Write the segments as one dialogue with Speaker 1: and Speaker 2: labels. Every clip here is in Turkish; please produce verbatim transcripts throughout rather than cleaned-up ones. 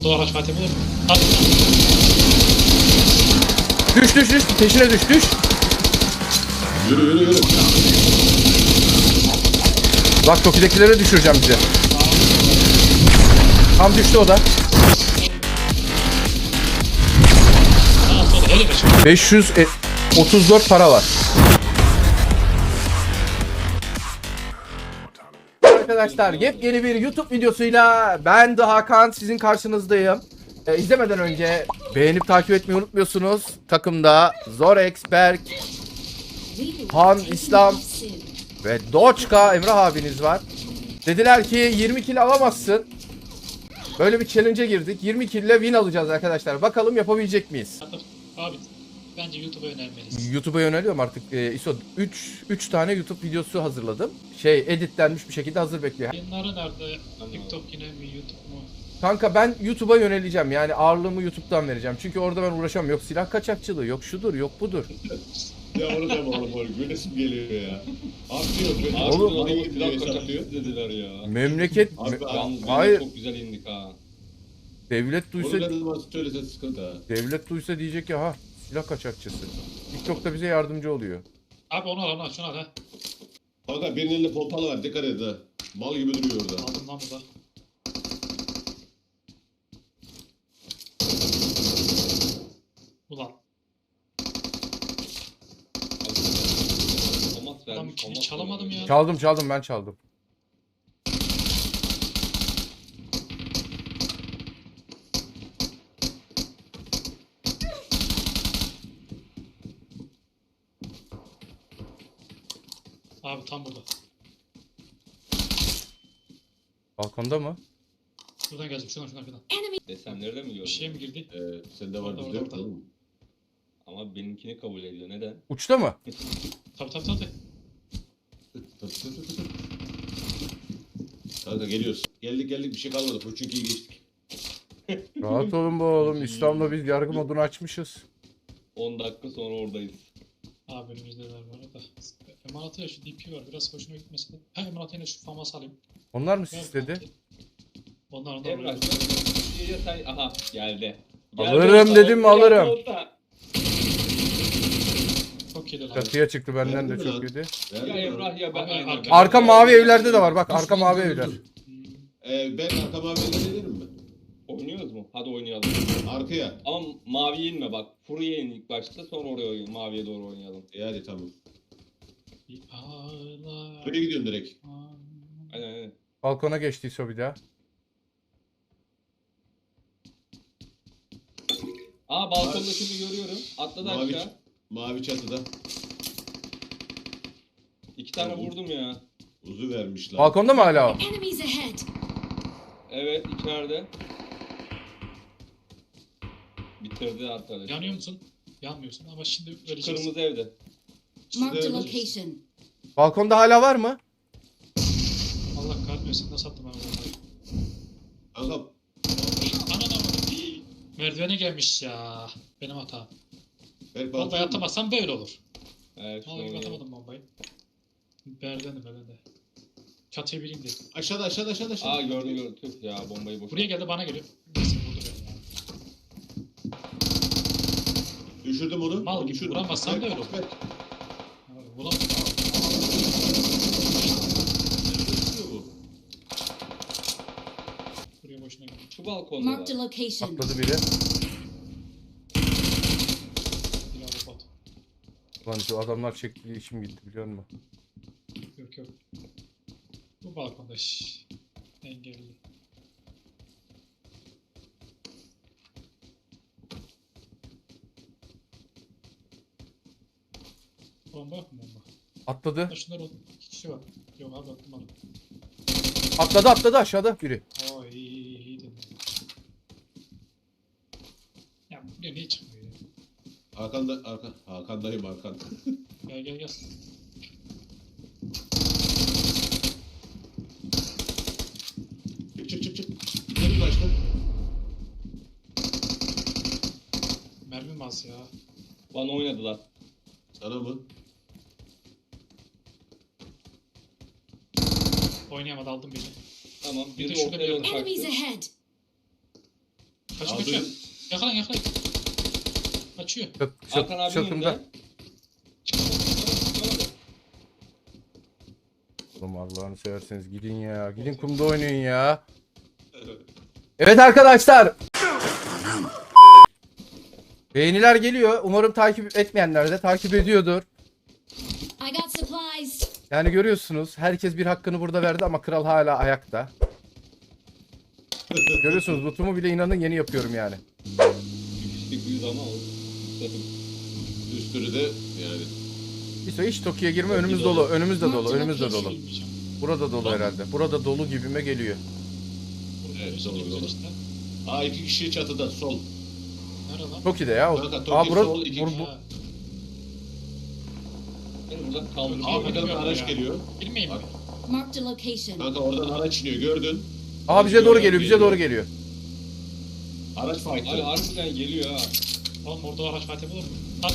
Speaker 1: Dolar aç Fatih mi? At.
Speaker 2: Düş düş düş. Peşine düş düş.
Speaker 3: Yürü yürü yürü.
Speaker 2: Bak Toki'dekilere düşüreceğim bize. Tam düştü o da.
Speaker 1: Sağa sola hele be şimdi.
Speaker 2: beş yüz otuz dört para var. Arkadaşlar yepyeni bir YouTube videosuyla ben de Hakan sizin karşınızdayım. Ee, izlemeden önce beğenip takip etmeyi unutmuyorsunuz. Takımda Zorex, Berk, Han, İslam ve Doçka Emrah abiniz var. Dediler ki yirmi kill alamazsın. Böyle bir challenge'e girdik. yirmi kill ile win alacağız arkadaşlar. Bakalım yapabilecek miyiz?
Speaker 1: Abi bence YouTube'a önermeliyiz.
Speaker 2: YouTube'a yöneliyorum artık. Ee, İso üç üç tane YouTube videosu hazırladım. Şey editlenmiş bir şekilde hazır bekliyor.
Speaker 1: Yayınları nerede? TikTok yine mi YouTube mu?
Speaker 2: Kanka ben YouTube'a yöneleceğim. Yani ağırlığımı YouTube'dan vereceğim. Çünkü orada ben uğraşamam. Yok silah kaçakçılığı, yok şudur, yok budur.
Speaker 3: Ya onu deme oğlum oğlum. Gülesim geliyor ya. Atlıyor. Böyle
Speaker 2: Oğlum,
Speaker 3: atlıyor,
Speaker 4: adamı
Speaker 3: atlıyor,
Speaker 4: silah
Speaker 3: atlıyor.
Speaker 4: kaçakçısı dediler ya.
Speaker 2: Memleket
Speaker 3: Abi,
Speaker 2: me-
Speaker 4: Yalnız
Speaker 2: hayır.
Speaker 4: çok güzel indik ha.
Speaker 2: Devlet duysa
Speaker 3: Onu ne zaman söylese sıkıntı ha.
Speaker 2: devlet duysa diyecek ki ha silah kaçakçısı. TikTok'ta bize yardımcı oluyor.
Speaker 1: Abi onu al onu al şunu al ha.
Speaker 3: Kanka birinin elinde pompalı var. Dikkat edin ha. Mal gibi duruyor orada.
Speaker 1: Aldım lan burada. Ulan
Speaker 4: Tomat
Speaker 1: adam
Speaker 4: vermiş.
Speaker 1: kimi
Speaker 4: tomat
Speaker 1: çalamadım
Speaker 4: vermiş.
Speaker 1: ya.
Speaker 2: Çaldım çaldım ben çaldım.
Speaker 1: Abi tam burada.
Speaker 2: Balkonda mı?
Speaker 1: Şuradan geldim şuradan şuradan şuradan.
Speaker 4: Desenleri de mi
Speaker 1: Bir
Speaker 4: gördün?
Speaker 1: şeye mi girdi?
Speaker 3: Ee, sende var
Speaker 1: Orada,
Speaker 3: bizde yok
Speaker 1: orada.
Speaker 3: oğlum.
Speaker 4: Ama benimkini kabul ediyor. Neden?
Speaker 2: Uçta mı?
Speaker 1: Tabi tabi tabi.
Speaker 3: Kanka geliyoruz. Geldik geldik bir şey kalmadı. Çünkü iyi geçtik.
Speaker 2: Rahat olun bu oğlum. İslam'la biz yargı modunu açmışız.
Speaker 4: on dakika sonra oradayız.
Speaker 1: Abi önümüzde var bu arada. Emalat'a şu D P var biraz hoşuma gitmese de. Ha Emalat'a yine şu famas alayım.
Speaker 2: Onlar mı
Speaker 1: Ver
Speaker 2: istedi?
Speaker 1: kanki. Onlar onlar.
Speaker 4: Emrah
Speaker 1: onlar.
Speaker 4: sen... sen... Aha geldi. Geldi
Speaker 2: Alırım
Speaker 4: orta,
Speaker 2: dedim mi
Speaker 4: orta,
Speaker 2: alırım.
Speaker 4: orta.
Speaker 1: Çok yedi lan.
Speaker 2: Çatıya çıktı benden de
Speaker 3: Verdi mi
Speaker 2: çok
Speaker 3: lan?
Speaker 2: yedi.
Speaker 3: Verdi
Speaker 4: Ya
Speaker 3: mi lan?
Speaker 4: Emrah ya ben
Speaker 1: Abi,
Speaker 4: aynı.
Speaker 1: arka-
Speaker 4: Ben-
Speaker 2: Arka mavi evlerde de var bak arka mavi evler.
Speaker 1: Hmm.
Speaker 3: Ee, ben arka maviye gelirim mi?
Speaker 4: Oynuyoruz mu? Hadi oynayalım.
Speaker 3: Arkaya.
Speaker 4: Ama maviye inme bak. Furu'ya in ilk başta sonra oraya oynayalım. Maviye doğru oynayalım.
Speaker 3: E hadi tamam.
Speaker 1: Bir ağlar.
Speaker 3: Buraya gidiyorum direkt.
Speaker 4: Aynen aynen.
Speaker 2: Balkona geçti İso bir daha.
Speaker 4: Aa balkondakini görüyorum. Atladı
Speaker 3: Mavi,
Speaker 4: aşağı.
Speaker 3: mavi çatıda.
Speaker 4: İki tane vurdum ya.
Speaker 3: Uzu vermişler.
Speaker 2: Balkonda mı hala o?
Speaker 5: Enemies ahead!
Speaker 4: Evet içeride. Bitirdi arkadaş.
Speaker 1: Yanıyor musun? Yanmıyorsun ama şimdi vereceğiz.
Speaker 4: Kırmızı evde.
Speaker 5: Marked a
Speaker 3: Evet.
Speaker 5: location.
Speaker 2: Balkonda hala var mı?
Speaker 1: Allah kahretmesin nasıl attım ben onu?
Speaker 3: Kanka
Speaker 1: Anam anam. Merdivene gelmiş ya. Benim hatam.
Speaker 3: Berk
Speaker 1: Bombayı
Speaker 3: balkon.
Speaker 1: atamazsam böyle olur.
Speaker 4: Evet şunu
Speaker 1: Vallahi
Speaker 4: oynayalım.
Speaker 1: atamadım bombayı. Merdivende merdivende. Çatıya biriyim diye.
Speaker 3: Aşağıda aşağıda aşağıda aşağıda.
Speaker 4: Aa gördüm gördüm. Tüh ya bombayı boş.
Speaker 1: Buraya geldi bana geliyor. Neyse vurdu beni ya.
Speaker 3: Düşürdüm onu.
Speaker 1: Mal
Speaker 3: Onu
Speaker 1: gibi
Speaker 3: düşürdüm.
Speaker 1: vuramazsan
Speaker 3: Berk,
Speaker 1: da öyle olur.
Speaker 3: Berk.
Speaker 1: Ulan
Speaker 3: Düşüyor bu.
Speaker 1: buraya boşuna geldi.
Speaker 4: Şu balkonda
Speaker 5: Marked a
Speaker 4: var.
Speaker 5: location.
Speaker 2: Atladı biri.
Speaker 1: Bir daha bot.
Speaker 2: Lan şu adamlar çekti işim gitti biliyor musun?
Speaker 1: Yok yok. Bu balkonda şşş. Engelli. Bomba yok mu bomba?
Speaker 2: Atladı.
Speaker 1: Ha şunlar oldu. İki kişi var. Yok abi attım onu.
Speaker 2: Atladı atladı aşağıda biri.
Speaker 1: Oo iyi iyi iyi dedim. Ya buraya niye çıkmıyor ya?
Speaker 3: Hakan'da Hakan Hakan'dayım Hakan.
Speaker 1: Gel gel gel.
Speaker 3: Çık çık çık çık. Gidelim başta.
Speaker 1: Mermim az ya.
Speaker 4: Bana oynadılar.
Speaker 3: Sana mı?
Speaker 1: Oynayamadı aldım birini.
Speaker 4: Tamam.
Speaker 1: Bir de
Speaker 4: Biri
Speaker 1: şurada
Speaker 4: ortaya
Speaker 1: bir
Speaker 4: doğru
Speaker 5: Enemies
Speaker 4: kaçtı.
Speaker 5: ahead!
Speaker 1: Kaçıyor
Speaker 3: Aldım.
Speaker 1: kaçıyor. Yakalan yakalan. Kaçıyor.
Speaker 2: Çat,
Speaker 4: Hakan
Speaker 2: çat,
Speaker 4: abinin
Speaker 2: çatımda.
Speaker 4: önünde. Çıkamadı, çıkamadı.
Speaker 2: Oğlum Allah'ını severseniz gidin ya. Gidin kumda oynayın ya. Evet arkadaşlar. Beğeniler geliyor. Umarım takip etmeyenler de takip ediyordur.
Speaker 5: I got supplies.
Speaker 2: Yani görüyorsunuz herkes bir hakkını burada verdi ama kral hala ayakta. Görüyorsunuz lootumu bile inanın yeni yapıyorum yani.
Speaker 4: İşte yüz ama o.
Speaker 3: Üstünü de yani.
Speaker 2: İso hiç Toki'ye girme, önümüz dolu. Önümüz de dolu. Önümüz de dolu.
Speaker 1: Bilmeyeceğim.
Speaker 2: Burada dolu herhalde. Burada dolu gibime geliyor.
Speaker 1: Burada
Speaker 3: Evet,
Speaker 1: evet,
Speaker 3: doğru,
Speaker 1: güzel
Speaker 3: doğru.
Speaker 1: işte.
Speaker 3: Aa iki kişi çatıda sol.
Speaker 1: Nerede lan?
Speaker 2: Toki'de ya.
Speaker 3: Kanka,
Speaker 2: Aa
Speaker 3: Toki
Speaker 2: bura,
Speaker 3: sol, iki
Speaker 2: bur,
Speaker 3: kişi.
Speaker 2: bu,
Speaker 1: Ha,
Speaker 4: Beni burada kaldırıyor.
Speaker 3: Aa bir tane
Speaker 1: Bilmiyorum
Speaker 3: araç
Speaker 1: ya.
Speaker 3: geliyor.
Speaker 1: Girmeyeyim mi?
Speaker 5: Marked a location.
Speaker 3: Kanka oradan araç iniyor gördün.
Speaker 2: Aa bize doğru geliyor, bize doğru geliyor.
Speaker 3: Araç
Speaker 4: Abi
Speaker 3: fight'ı.
Speaker 4: harbiden geliyor ha.
Speaker 1: Oğlum orada araç fatih olur mu? Hadi.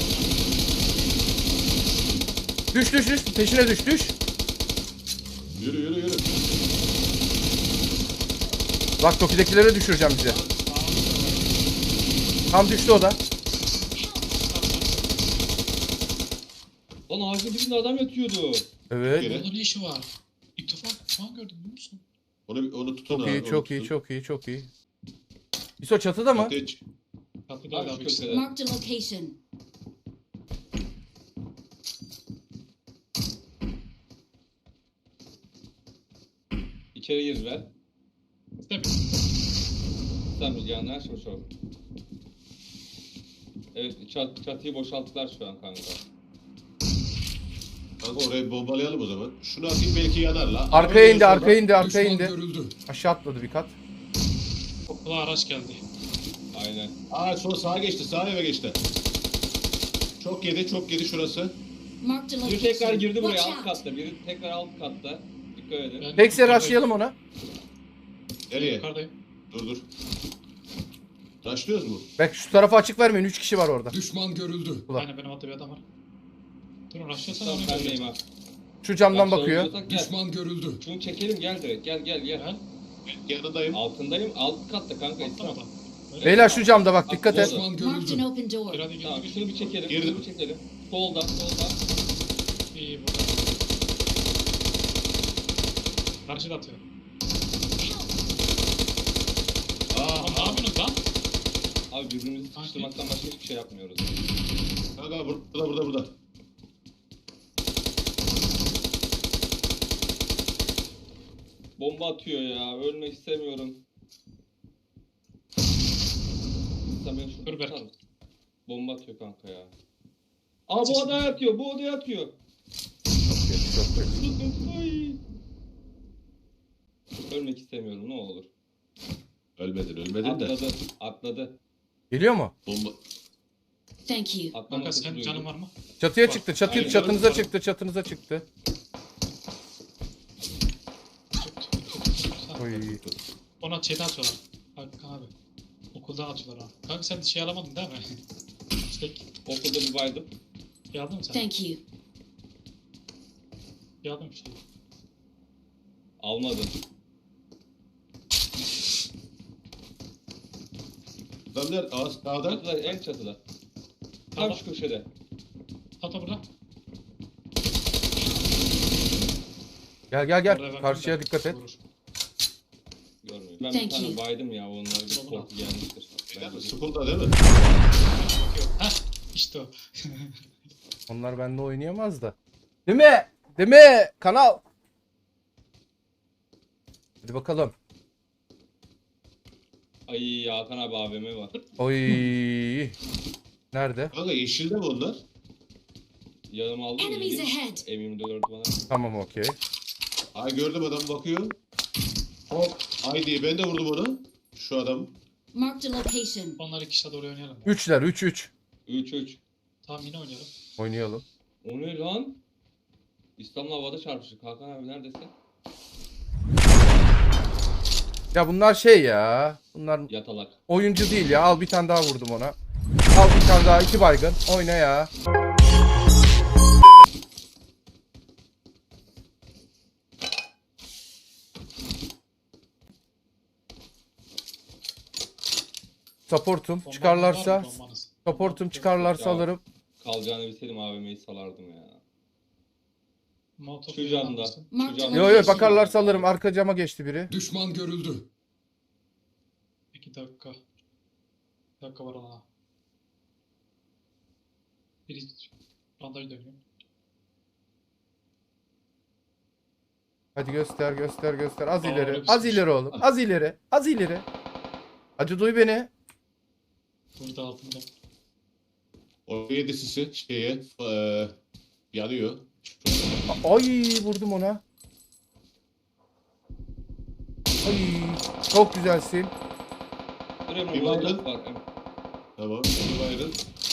Speaker 2: Düş düş düş, peşine düş düş.
Speaker 3: Yürü yürü yürü.
Speaker 2: Bak Toki'dekilere düşüreceğim bize. Tam düştü o da.
Speaker 4: Lan ağacın dibinde adam yatıyordu.
Speaker 2: Evet.
Speaker 3: Gene.
Speaker 1: Orada ne işi var? İlk defa şu an gördüm biliyor musun?
Speaker 3: Onu, onu tutun
Speaker 2: Çok
Speaker 3: abi.
Speaker 2: iyi,
Speaker 3: onu
Speaker 2: çok iyi,
Speaker 3: tutun.
Speaker 2: çok iyi, çok iyi. İso çatıda mı?
Speaker 3: Çatıya çık.
Speaker 1: Tatlı
Speaker 4: Abi
Speaker 1: abi
Speaker 4: şu
Speaker 1: ikisi de.
Speaker 4: köşede.
Speaker 5: Marked a location.
Speaker 4: İçeri girdiler.
Speaker 1: Tabii.
Speaker 4: Sen rüzgarlar şu şu. Evet çat, çatıyı boşalttılar şu an kanka.
Speaker 3: Kanka orayı bombalayalım o zaman. Şunu atayım belki yanar la.
Speaker 2: Arkaya indi,
Speaker 3: Araba
Speaker 2: arkaya indi, arkaya
Speaker 6: Düşman
Speaker 2: indi.
Speaker 6: görüldü.
Speaker 2: Aşağı atladı bir kat.
Speaker 1: Kulağa araç geldi.
Speaker 4: Aynen.
Speaker 3: Aa sonra sağa geçti. Sağ eve geçti. Çok yedi çok yedi şurası.
Speaker 5: Marked a
Speaker 4: Biri
Speaker 5: location.
Speaker 4: tekrar girdi buraya
Speaker 5: Watch
Speaker 4: alt
Speaker 5: out.
Speaker 4: katta. Biri tekrar alt katta. Dikkat edin.
Speaker 1: Ben
Speaker 2: Tekse
Speaker 1: yukarıdayım.
Speaker 2: rushlayalım ona.
Speaker 3: Nereye?
Speaker 1: Yukarıdayım.
Speaker 3: Dur dur. Taşlıyoruz mu?
Speaker 2: Bak şu tarafa açık vermeyin, üç kişi var orada.
Speaker 6: Düşman görüldü.
Speaker 2: Ulan.
Speaker 1: Aynen benim altta bir adam var. Durun rushlasana
Speaker 4: Tamam
Speaker 1: onu
Speaker 4: ben deyim
Speaker 1: göreceğim.
Speaker 4: ha.
Speaker 2: Şu camdan
Speaker 4: Bak,
Speaker 2: bakıyor.
Speaker 4: sorun olursak Gel.
Speaker 6: Düşman görüldü.
Speaker 4: Şunu çekelim gel direkt. Gel gel gel.
Speaker 1: Gel.
Speaker 3: Yanındayım.
Speaker 4: Altındayım. Alt katta kanka. İslam.
Speaker 1: Atlamadan. Öyle.
Speaker 2: Beyler şu camda bak, dikkat et.
Speaker 6: Düşman
Speaker 5: Marked an
Speaker 6: görüldü.
Speaker 5: open door.
Speaker 1: Bir hadi gir,
Speaker 4: Tamam
Speaker 1: gir,
Speaker 4: şunu
Speaker 1: gir.
Speaker 4: bir çekelim.
Speaker 3: Girdim.
Speaker 4: Şunu bir çekelim. Solda solda.
Speaker 1: İyi burada. Karşıda atıyor.
Speaker 3: Aa,
Speaker 1: Oğlum ne yapıyorsunuz lan?
Speaker 4: Abi birbirimizi sıkıştırmaktan başka hiçbir şey yapmıyoruz.
Speaker 3: kanka burada burada burada.
Speaker 4: Bomba atıyor ya. Ölmek istemiyorum. Sen beni şurada
Speaker 1: Dur Berk.
Speaker 4: tutar mısın? Bomba atıyor kanka ya. Aa bu odaya atıyor. Bu odaya atıyor.
Speaker 2: Çok kötü, çok kötü.
Speaker 4: Tutun. Ay. Ölmek istemiyorum ne olur.
Speaker 3: Ölmedin ölmedin de.
Speaker 4: Atladı. Atladı.
Speaker 2: Geliyor mu?
Speaker 3: Bomba.
Speaker 5: Thank you.
Speaker 4: Atlama
Speaker 1: Kanka
Speaker 4: sesi
Speaker 1: senin
Speaker 4: duydum.
Speaker 1: canın var mı?
Speaker 2: Çatıya
Speaker 1: Bak.
Speaker 2: çıktı, çatı,
Speaker 4: Aynen.
Speaker 2: çatınıza çıktı, çatınıza çıktı.
Speaker 1: Tut, tut, tut, tut.
Speaker 2: Oy.
Speaker 1: Ona şeyden atıyorlar. Kanka abi. Okuldan atıyorlar ha. Kanka sen şey alamadın değil mi? İşte
Speaker 4: Okulda bir baydım.
Speaker 1: şey aldın mı sen?
Speaker 5: Thank you.
Speaker 1: Şey aldın mı şey?
Speaker 4: Almadım.
Speaker 3: Lan nerede? Aa sağda.
Speaker 4: Çatıda en çatıda. Tam
Speaker 1: Tamam.
Speaker 4: şu köşede.
Speaker 1: Hatta burada.
Speaker 2: Gel gel
Speaker 1: Oraya
Speaker 2: gel,
Speaker 1: bakın
Speaker 2: karşıya
Speaker 1: da
Speaker 2: dikkat et.
Speaker 1: vurur.
Speaker 4: Görmüyor. Ben
Speaker 5: Thank
Speaker 4: bir tane
Speaker 5: you.
Speaker 4: baydım ya. Onlar bir
Speaker 1: Tamam.
Speaker 4: korku gelmiştir. Bence de.
Speaker 3: School'da değil mi?
Speaker 1: Bakıyor. Heh işte o.
Speaker 2: Onlar bende oynayamaz da. Değil mi? Değil mi? Kanal. Hadi bakalım.
Speaker 4: Ay Hakan abi A V M var.
Speaker 2: Oy. Nerede?
Speaker 3: Kanka yeşilde mi onlar?
Speaker 4: Yanıma aldım.
Speaker 5: Enemies
Speaker 4: geleyim.
Speaker 5: ahead.
Speaker 4: M yirmi dört bana.
Speaker 2: Tamam, okey.
Speaker 3: Ay gördüm adam bakıyor. Hop. Ay diye ben de vurdum onu. Şu adam.
Speaker 5: Marked a location.
Speaker 1: Onlar iki kişi de doğru oynayalım.
Speaker 2: Üçler, üç üç.
Speaker 4: üç üç.
Speaker 1: Tamam yine oynayalım.
Speaker 2: Oynayalım.
Speaker 4: O ne lan? İslam'la havada çarpıştık. Hakan abi neredesin?
Speaker 2: Ya bunlar şey ya. Bunlar
Speaker 4: Yatalak.
Speaker 2: oyuncu değil ya. Al bir tane daha vurdum ona. Al bir tane daha, iki baygın. Oyna ya. Supportum.
Speaker 1: Bombanız
Speaker 2: Çıkarlarsa
Speaker 1: var mı bombanız?
Speaker 2: supportum çıkarlarsa
Speaker 4: Ya.
Speaker 2: alırım.
Speaker 4: Kalacağını bilseydim A V M'yi salardım ya.
Speaker 1: Molotov
Speaker 4: Şu
Speaker 1: falan
Speaker 4: camda.
Speaker 1: mısın?
Speaker 4: Şu
Speaker 5: Marked
Speaker 4: camda.
Speaker 2: Yo yo bakarlarsa alırım. Arka cama geçti biri.
Speaker 6: Düşman görüldü.
Speaker 1: İki dakika. Bir dakika var ona. Biri bandaj dönüyor.
Speaker 2: Hadi göster göster göster. Az
Speaker 1: Aa,
Speaker 2: ileri.
Speaker 1: öyle bir
Speaker 2: Az
Speaker 1: şey.
Speaker 2: ileri oğlum. Az ileri. Az ileri. Hadi duy beni.
Speaker 1: Burada altında.
Speaker 3: O yedi sisi şeye eee yanıyor.
Speaker 2: A- Ay vurdum ona. Ay çok güzelsin.
Speaker 4: Dur Emre
Speaker 3: Bir
Speaker 4: burada
Speaker 3: baydın.
Speaker 4: top var. Emre.
Speaker 3: Tamam. Bir bayrın.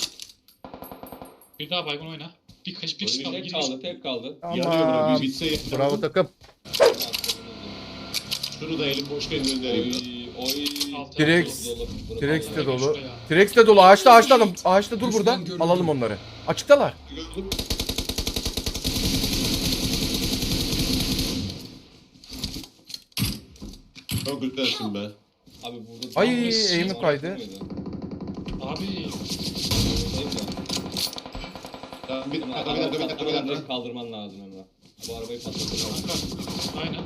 Speaker 1: Bir daha baygın oyna. Bir kaç bir kişi kaldı.
Speaker 4: Tek
Speaker 1: girmiş.
Speaker 4: kaldı, tek kaldı.
Speaker 3: Yanıyor bura.
Speaker 2: Tamam.
Speaker 3: Bir bitse yeter.
Speaker 2: Bravo takım.
Speaker 3: Şunu da elim boşken göndereyim.
Speaker 4: Oy, oy.
Speaker 1: Altı
Speaker 2: Direkt-
Speaker 1: altı
Speaker 4: Dolu, dolu.
Speaker 2: T-Rex de
Speaker 1: Vallahi
Speaker 2: dolu.
Speaker 1: şuraya.
Speaker 2: T-Rex de dolu. Ağaçta ağaçta adam. Ağaçta dur
Speaker 6: Düşman
Speaker 2: burada.
Speaker 6: görüldü.
Speaker 2: Alalım onları. Açıktalar.
Speaker 3: Gördüm. Çok güzelsin be.
Speaker 4: Abi burada
Speaker 2: Ay,
Speaker 4: tam bir
Speaker 1: eğimi
Speaker 4: şey var,
Speaker 2: kaydı.
Speaker 4: değil miydi?
Speaker 1: Abi
Speaker 4: Değil mi?
Speaker 3: Tamam, bir
Speaker 4: Emre,
Speaker 3: dakika, bir dakika, bir dakika, bir
Speaker 4: arabayı
Speaker 3: dakika.
Speaker 4: direkt kaldırman lazım Emre. Bu arabayı patlatacağım.
Speaker 1: kanka. Aynen.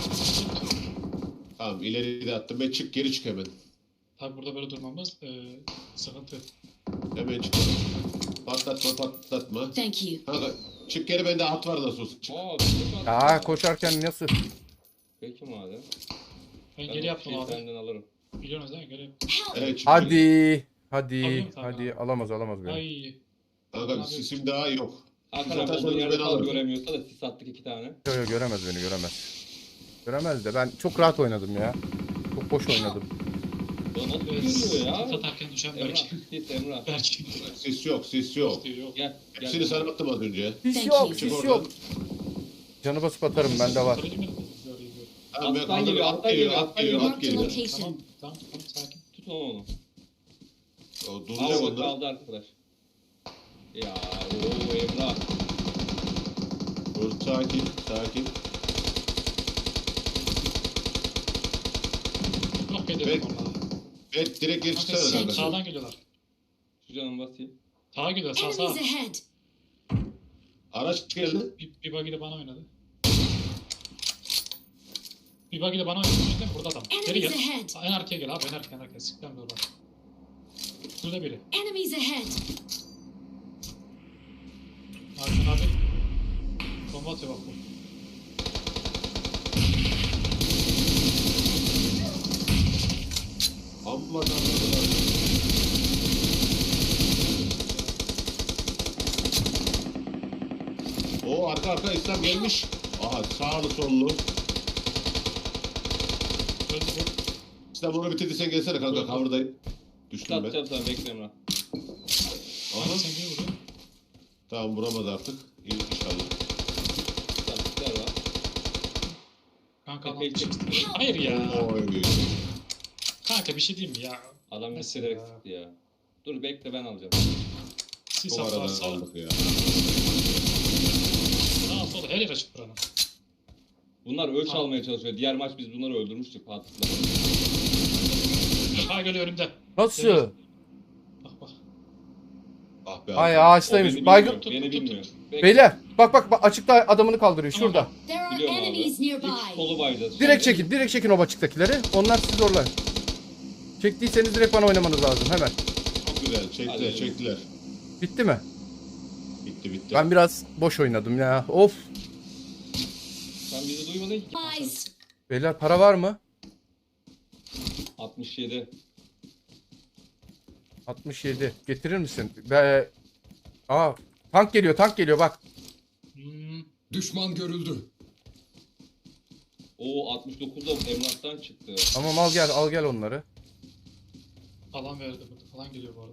Speaker 3: Tamam, ileri de attım. Ben çık, geri çık hemen.
Speaker 1: Tabi burada böyle durmamız e, sıkıntı.
Speaker 3: Hemen çık. Patlatma, patlatma.
Speaker 5: Thank you.
Speaker 3: Kanka, çık geri, bende at var nasıl olsa. Çık.
Speaker 4: Aa, bir şey
Speaker 2: Aa
Speaker 4: attı.
Speaker 2: koşarken nasıl?
Speaker 4: Peki madem.
Speaker 1: Ben
Speaker 4: Ben
Speaker 1: geri
Speaker 4: bu
Speaker 1: yaptım
Speaker 4: şeyi
Speaker 1: abi.
Speaker 4: senden alırım.
Speaker 1: Biliyorsunuz değil mi? Geri yaptım.
Speaker 3: Evet, çık.
Speaker 2: Hadi. Hadi.
Speaker 1: Alayım kanka.
Speaker 2: Hadi. Alamaz alamaz beni.
Speaker 1: Ay.
Speaker 3: Kanka, sisim daha yok.
Speaker 4: Hakan
Speaker 3: Zaten
Speaker 4: abi olduğu
Speaker 3: sonra
Speaker 4: yerde
Speaker 3: ben
Speaker 4: kal
Speaker 3: alırım.
Speaker 4: göremiyorsa da sis attık iki tane.
Speaker 2: Yo, yo, göremez beni göremez. Göremez de ben çok rahat oynadım ya. Çok boş oynadım.
Speaker 4: Ya nasıl
Speaker 1: Evet.
Speaker 4: görüyor ya?
Speaker 1: Satarken düşen
Speaker 4: Emrah,
Speaker 1: belki.
Speaker 4: git Emrah.
Speaker 1: Belki.
Speaker 3: Sis yok, sis yok.
Speaker 1: Yok.
Speaker 4: Gel.
Speaker 3: Hepsini
Speaker 4: gel.
Speaker 3: sana attım az önce.
Speaker 2: Sis
Speaker 5: Thank
Speaker 2: yok
Speaker 5: you.
Speaker 3: Çık
Speaker 2: sis
Speaker 3: oradan.
Speaker 2: yok. Canı basıp atarım bende var.
Speaker 1: Sarıcı mı? Görüyor, görüyor.
Speaker 3: Tamam, ben
Speaker 4: Attan
Speaker 3: kaldırdım.
Speaker 4: geliyor,
Speaker 3: At
Speaker 4: attan
Speaker 3: geliyor,
Speaker 4: geliyor,
Speaker 3: at geliyor,
Speaker 4: attan
Speaker 3: at
Speaker 5: geliyor.
Speaker 3: geliyor.
Speaker 5: Location.
Speaker 1: Tamam, tamam, tamam, sakin.
Speaker 4: Tut onu.
Speaker 3: O duracak
Speaker 4: Araba
Speaker 3: onlar.
Speaker 4: kaldı arkadaş. Ya ooo Emrah.
Speaker 3: Dur, sakin, sakin.
Speaker 1: Yok geliyorum
Speaker 3: Evet.
Speaker 1: onlara.
Speaker 3: Evet, direkt geri çıksana
Speaker 1: Kanka,
Speaker 3: kanka.
Speaker 1: sağdan geliyorlar.
Speaker 4: Şu canım basayım.
Speaker 1: Sağa geliyor, sağ sağ.
Speaker 5: Enemies ahead.
Speaker 3: Araç geldi.
Speaker 1: Bir, bir buggy de bana oynadı. Bir buggy de bana oynadı. Değil mi? Burada adam. Geri
Speaker 5: Enemies
Speaker 1: gel.
Speaker 5: ahead.
Speaker 1: En arkaya gel abi, en arkaya, en arkaya. Sikten de orada. Şurada biri.
Speaker 5: Enemies ahead.
Speaker 1: Hakan abi. Bomba atıyor bak bu.
Speaker 3: Amma tanrılar. O arka arka İslam gelmiş. Aha, sağlı sollu.
Speaker 1: Öldü bu.
Speaker 3: İslam onu bitirdi, sen gelsene kanka, cover'dayım. Düştüm ben.
Speaker 4: Atacağım sana bekle Emrah.
Speaker 3: Aha,
Speaker 1: Abi sen niye vuruyorsun?
Speaker 3: tamam, vuramadı artık. İyi, inşallah.
Speaker 4: Lastikler var.
Speaker 1: Kanka
Speaker 4: Epey
Speaker 1: lan.
Speaker 4: çekti.
Speaker 1: Hayır ya.
Speaker 3: Oy.
Speaker 1: Kanka bir şey diyeyim mi ya?
Speaker 4: Adam
Speaker 1: Nasıl
Speaker 4: hissederek
Speaker 1: ya?
Speaker 4: sıktı ya. Dur bekle ben alacağım.
Speaker 1: Sis
Speaker 3: Bu aradan
Speaker 1: atlarsa
Speaker 3: aldık ya.
Speaker 1: sağa sola her yer açık buranın.
Speaker 4: Bunlar ölç
Speaker 1: Tamam.
Speaker 4: almaya çalışıyor. Diğer maç biz bunları öldürmüştük Fatih'le.
Speaker 1: Ha geliyor önümde.
Speaker 2: Nasıl?
Speaker 1: Bak bak.
Speaker 3: Ah be.
Speaker 2: Ay
Speaker 3: abi.
Speaker 2: ağaçtaymış.
Speaker 4: O beni
Speaker 2: Baygın.
Speaker 4: bilmiyor, Beni bilmiyor. Bekle.
Speaker 2: Beyler bak bak bak açıkta adamını kaldırıyor
Speaker 1: Tamam.
Speaker 2: şurada.
Speaker 5: There are
Speaker 4: Biliyorum abi.
Speaker 5: enemies
Speaker 4: İlk
Speaker 5: nearby.
Speaker 4: solu bayacağız.
Speaker 2: Direkt çekin direkt çekin o açıktakileri. Onlar sizi zorlar. Çektiyseniz direkt bana oynamanız lazım hemen.
Speaker 3: Çok güzel. Çektiler,
Speaker 4: Hadi.
Speaker 3: çektiler.
Speaker 2: Bitti mi?
Speaker 3: Bitti, bitti.
Speaker 2: Ben biraz boş oynadım ya. Of.
Speaker 4: Sen bizi duymadın ki.
Speaker 5: Guys.
Speaker 2: Beyler para var mı?
Speaker 4: altmış yedi.
Speaker 2: altmış yedi. Getirir misin? Be... Aa, tank geliyor, tank geliyor bak.
Speaker 1: Hmm.
Speaker 6: Düşman görüldü.
Speaker 4: Oo altmış dokuz da Emrah'tan çıktı.
Speaker 2: Tamam al gel, al gel onları.
Speaker 1: Alan verdi burada. Alan geliyor bu arada.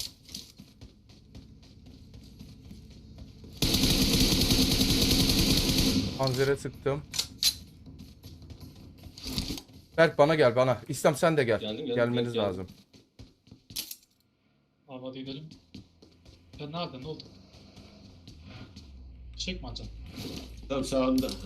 Speaker 2: Panzere sıktım. Berk bana gel bana. İslam sen de gel.
Speaker 4: Geldim, geldim,
Speaker 2: Gelmeniz
Speaker 4: geldim.
Speaker 2: lazım.
Speaker 1: Abi hadi gidelim. Sen nerede? Ne oldu? Çek mi alacaksın?
Speaker 3: Tam sağında. Ha.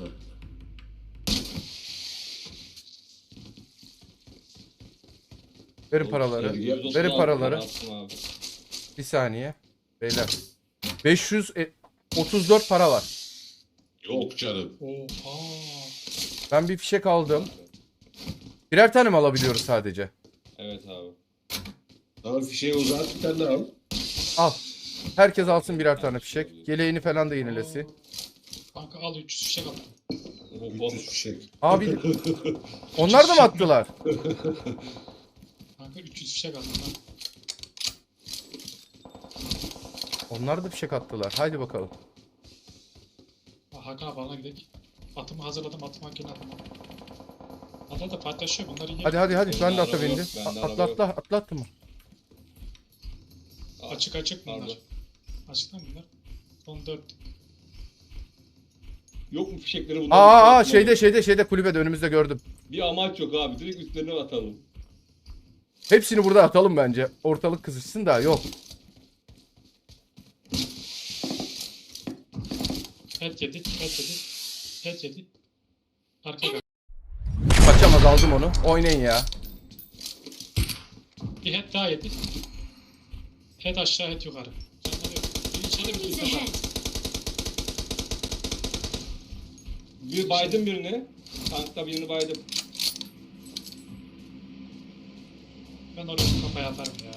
Speaker 2: Verin paraları.
Speaker 3: Sevgi.
Speaker 4: yüz otuz
Speaker 2: Verin
Speaker 4: altı
Speaker 2: paraları.
Speaker 4: para attım abi.
Speaker 2: Bir saniye. Beyler. beş yüz otuz dört para var.
Speaker 3: Yok canım.
Speaker 1: Oha.
Speaker 2: Ben bir fişek aldım. Birer tane mi alabiliyoruz sadece?
Speaker 4: Evet abi.
Speaker 3: Tamam fişeği uzat bir tane daha al.
Speaker 2: Al. Herkes alsın birer tane fişek. Yeleğini falan da yenilesin.
Speaker 1: Kanka al üç yüz fişek attım.
Speaker 4: Oho.
Speaker 3: üç yüz fişek.
Speaker 2: Abi onlar da mı attılar?
Speaker 1: Kanka üç yüz fişek attım lan.
Speaker 2: Onlar da fişek attılar. Haydi bakalım.
Speaker 1: Ha, Hakan abi alana gidelim. Atımı hazırladım, atım makineye attım. Hatta da paylaşıyor bunları yiyelim.
Speaker 2: Hadi hadi hadi. Ben de
Speaker 4: Bende
Speaker 2: ata
Speaker 4: araba yok,
Speaker 2: bindim.
Speaker 4: bende
Speaker 2: Atla
Speaker 4: araba
Speaker 2: atla atla atla mı?
Speaker 1: Açık açık bunlar.
Speaker 4: Pardon.
Speaker 1: Açık lan bunlar. Son dört.
Speaker 4: Yok mu fişekleri bunlar?
Speaker 2: Aa, aa
Speaker 4: Atmadım.
Speaker 2: şeyde şeyde şeyde kulübede önümüzde gördüm.
Speaker 4: Bir amaç yok abi. Direkt üstlerine atalım.
Speaker 2: Hepsini burada atalım bence. Ortalık kızışsın da yok.
Speaker 1: Het yedi, het yedi. Het yedi. Arkaya bak.
Speaker 2: Kaçamaz aldım onu. Oynayın ya.
Speaker 1: Bir het daha yedi. Het aşağı, het yukarı. Canları yok. Bir içeri bir
Speaker 5: Enemies
Speaker 1: dışarı.
Speaker 5: ahead.
Speaker 4: Bir baydım birini. Tankta birini baydım.
Speaker 1: Ben oraya kafaya atarım ya.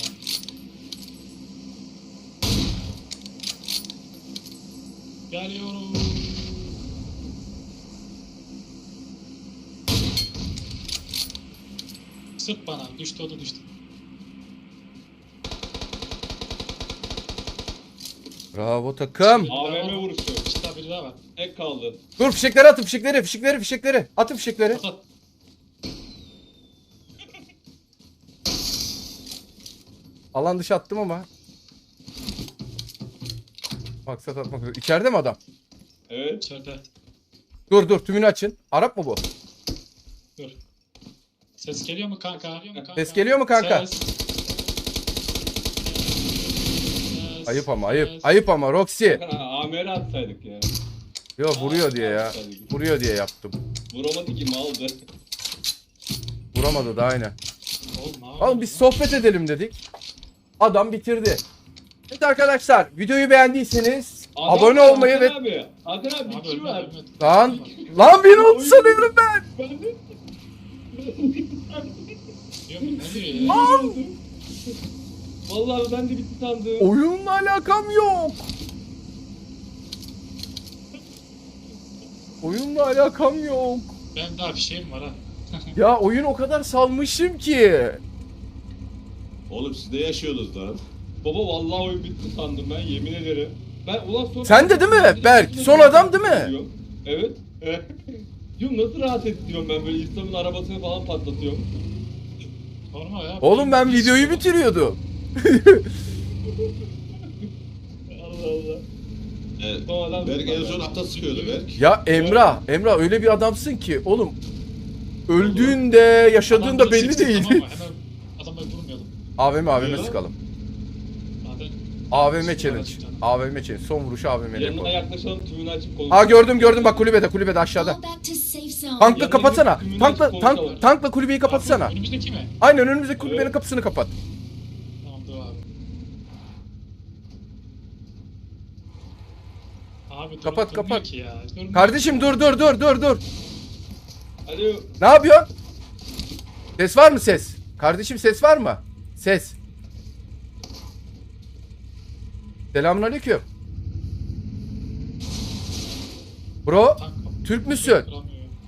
Speaker 1: Geliyorum. Sık bana. Düştü, o da düştü.
Speaker 2: Bravo takım.
Speaker 4: A V M vuruşu.
Speaker 1: İşte biri daha var.
Speaker 4: Tek kaldı.
Speaker 2: Dur fişekleri atın fişekleri fişekleri fişekleri. Atın fişekleri.
Speaker 1: At at.
Speaker 2: Alan dışı attım ama. Maksat atmak üzere. İçeride mi adam?
Speaker 4: Evet.
Speaker 1: İçeride.
Speaker 2: Dur dur tümünü açın. Arap mı bu?
Speaker 1: Dur. Ses geliyor mu kanka? Geliyor mu kanka?
Speaker 2: Ses geliyor mu kanka?
Speaker 1: Ses. Ses.
Speaker 2: Ayıp ama ayıp.
Speaker 1: Ses.
Speaker 2: Ayıp ama Roxy.
Speaker 4: A M R atsaydık ya.
Speaker 2: Yo vuruyor diye ya. Vuruyor diye yaptım.
Speaker 4: Vuramadı ki maldı.
Speaker 2: Vuramadı da aynen.
Speaker 1: Oğlum, ne
Speaker 2: Oğlum
Speaker 1: yapıyorsun
Speaker 2: biz
Speaker 1: lan?
Speaker 2: sohbet edelim dedik. Adam bitirdi. Evet arkadaşlar videoyu beğendiyseniz
Speaker 4: Adam
Speaker 2: abone
Speaker 4: var,
Speaker 2: olmayı
Speaker 4: Hakan
Speaker 2: ve...
Speaker 4: Abi. Hakan abi bir
Speaker 1: Abi
Speaker 4: kişi
Speaker 1: ölme,
Speaker 4: var.
Speaker 1: ölme.
Speaker 2: Lan lan beni oldu sanıyorum ben.
Speaker 4: Ben de.
Speaker 1: Diyor mu? Ne diyor ya?
Speaker 4: Vallahi ben de bitti sandım.
Speaker 2: Oyunla alakam yok. Oyunla alakam yok.
Speaker 1: Ben daha bir şeyim var ha.
Speaker 2: Ya oyun o kadar salmışım ki.
Speaker 3: Oğlum siz ne yaşıyorsunuz lan?
Speaker 4: Baba vallahi oyun bitti sandım ben yemin ederim. Ben ulan sonra...
Speaker 2: Sen de değil mi Berk? Son adam değil mi?
Speaker 4: Diyor. Evet. Diyorum nasıl rahat et diyorum ben böyle İslam'ın arabasını falan patlatıyorum.
Speaker 1: Normal ya.
Speaker 2: Oğlum ben
Speaker 1: Bir-
Speaker 2: videoyu bitiriyordum.
Speaker 4: Allah Allah.
Speaker 3: Evet.
Speaker 4: Son adam
Speaker 3: Berk en son ata sıkıyordu Berk.
Speaker 2: Ya Emrah, Emrah öyle bir adamsın ki oğlum. Öldüğünde, yaşadığında
Speaker 1: Adamları
Speaker 2: belli
Speaker 1: seçtik,
Speaker 2: değil.
Speaker 1: tamam mı? Hemen adamları vurmayalım.
Speaker 2: A V M A V M
Speaker 3: Niye lan?
Speaker 2: sıkalım.
Speaker 1: Zaten
Speaker 2: A V M challenge. A V M challenge. Son vuruşu A V M'yle
Speaker 4: Yanına
Speaker 2: yapalım.
Speaker 4: yaklaşalım tümünü açıp konuşalım.
Speaker 2: Aa gördüm gördüm bak kulübede kulübede aşağıda.
Speaker 5: Fall back to safe zone.
Speaker 2: Tankla
Speaker 4: Yanına
Speaker 2: kapatsana.
Speaker 4: gidip tümünü
Speaker 2: Tankla
Speaker 4: açıp
Speaker 2: tank,
Speaker 4: konuşalım.
Speaker 2: tankla kulübeyi kapatsana.
Speaker 1: Abi, önümüzdeki mi?
Speaker 2: Aynen önümüzdeki kulübenin
Speaker 4: Evet.
Speaker 2: kapısını kapat.
Speaker 1: Tamam dur abi. Abi dur,
Speaker 2: Kapat,
Speaker 1: durmuyor
Speaker 2: kapat.
Speaker 1: ki ya. Durmuyor
Speaker 2: Kardeşim
Speaker 1: ki
Speaker 2: dur dur dur dur dur.
Speaker 4: Alo.
Speaker 2: Ne yapıyorsun? Ses var mı ses? Kardeşim ses var mı? Ses. Selamünaleyküm. Bro,
Speaker 1: ya. Tank kapı-
Speaker 2: Türk müsün?
Speaker 1: Kıramıyor.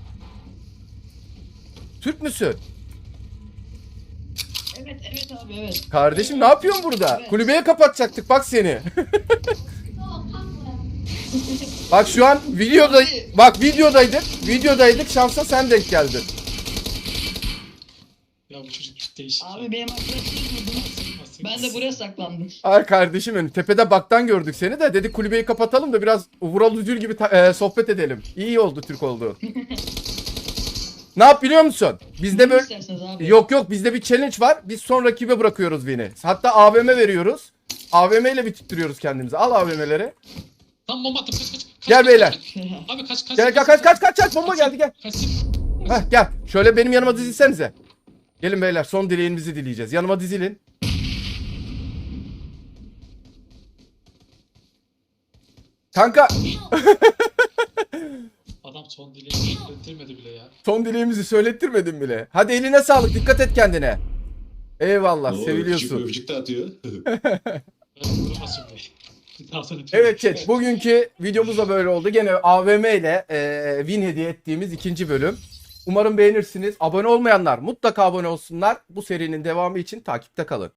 Speaker 2: Türk müsün?
Speaker 7: Evet evet abi evet.
Speaker 2: Kardeşim ne yapıyorsun burada?
Speaker 7: Evet.
Speaker 2: Kulübeye kapatacaktık bak seni. Bak şu an videoda bak videodaydık. Videodaydık şansa sen denk geldin.
Speaker 1: Ya bu çocuk değişik. ya.
Speaker 7: Abi benim arkadaşlarım vurdu.
Speaker 1: Nasıl-
Speaker 7: Ben de buraya saklandım.
Speaker 2: Ay kardeşim benim tepede baktan gördük seni de dedik kulübeyi kapatalım da biraz Vural Üzül gibi ta- e, sohbet edelim. İyi oldu Türk oldu. Ne yap biliyor musun? Bizde
Speaker 7: Ne
Speaker 2: böyle
Speaker 7: isterseniz abi.
Speaker 2: yok yok bizde bir challenge var. Biz son rakibe bırakıyoruz Vin'i. Hatta A V M veriyoruz. A V M ile bitirtiyoruz kendimizi. Al A V M'leri.
Speaker 1: Tam bomba attım, kaç kaç. kaç,
Speaker 2: Gel
Speaker 1: kaç,
Speaker 2: beyler.
Speaker 1: kaç. Abi kaç kaç.
Speaker 2: Gel gel kaç kaç kaç kaç bomba geldi gel.
Speaker 1: Kaçsın.
Speaker 2: Heh gel. Şöyle benim yanıma dizilsenize. Gelin beyler, son dileğimizi dileyeceğiz. Yanıma dizilin. Kanka
Speaker 1: Adam son dileğini söyletirmedi bile ya.
Speaker 2: son dileğimizi söylettirmedin bile. Hadi eline sağlık, dikkat et kendine. Eyvallah,
Speaker 3: Oo, Öpücük,
Speaker 2: seviliyorsun.
Speaker 3: öpücük de atıyor.
Speaker 1: Ben vurmasın be. Bir daha sonra
Speaker 2: Evet chat, bugünkü videomuz da böyle oldu. Gene A V M ile e, win hediye ettiğimiz ikinci bölüm. Umarım beğenirsiniz. Abone olmayanlar mutlaka abone olsunlar. Bu serinin devamı için takipte kalın.